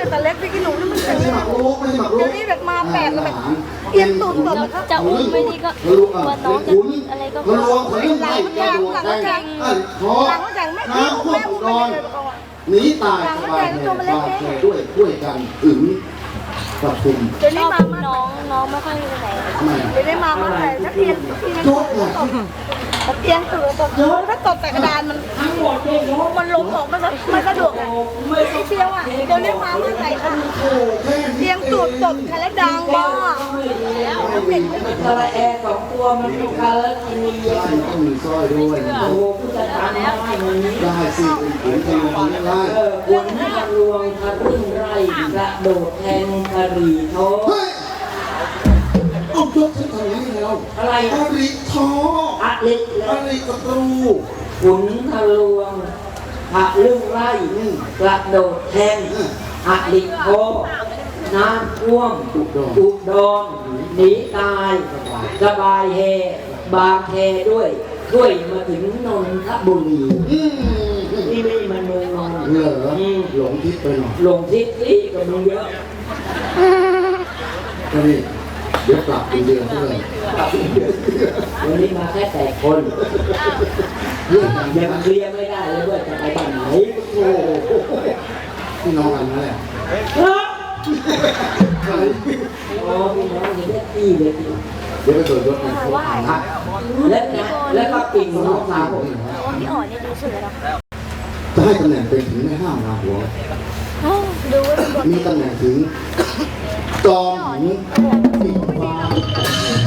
แต่เล็กพี่กินหนูนี่มันแข็งเลยไม่ใช่หมักรุกเดี๋ยวนี้แบบมาแปลกแบบเอียงตูดตบนะครับจะอุ้มไม่ดีก็ว่าน้องจะอะไรก็มันรวมถึงไล่กระดูกแดงคอหลังจากไม่น้ำท่วมอุดรหนีตายสบายแห่บาดแผลด้วยกันถึงปทุมเดี๋ยวชนี้อบมาน้องไม่ค่อยไปไหนทำไมเดี๋ยวนี้มาใส่นักเรียนยกเนี่ยเอียงตูดตบถ้าตบแต่กระดานมันล้มออกมันสะดวกไม่เชี่ยวอ่ะเดี๋ยวนี้มาใส่ค่ะเอียงตูดตบแค่แล้วดังบ้าตะแอร์2 ตัวมันลูกค้าแล้วกินใช่ต้องมีสร้อยด้วยโอ้โหผู้จัดการได้มันนี้ได้สิขุนทะลวงได้คุณทะลวงทะรึ่งไร่กระโดดแทงกะหรี่โทเฮ้ยเอายกฉันทำอย่างนี้แล้วอะไรอริทออะเล็กอริกตรูขุนทะลวงทะรึ่งไร่กระโดดแทงอะลิโทน้ำท่วมอุดรหนีตายสบายเฮบางแคด้วยช่วยมาถึงนนทบุรี นี่ไม่มันเมืองนอนเหรอหลงทิศไปหน่อยลงทิศนี่กับมึงเยอะก็นี่เดี๋ยวกลับเป็นเดือนเท่าไหร่วันนี้มาแค่8 คนเรื่องอย่างยันี้งนะเคลียร์ไม่ได้เลยว่าจะไปบ้านไหนโอ้โหพี่น้องกันนั่นแหละอ๋อพี่น้องจะได้ที่เลยเดี๋ยวไปตรวจยศนะแล้วก็ปิ่งน้องสาวผมพี่อ๋อเนี่ยดูสวยแล้วจะให้ตำแหน่งเป็นถึงไม่ห้ามนาหัวดูว่าเป็นบทมีตำแหน่งถึงจอมหญิงปีกฟ้า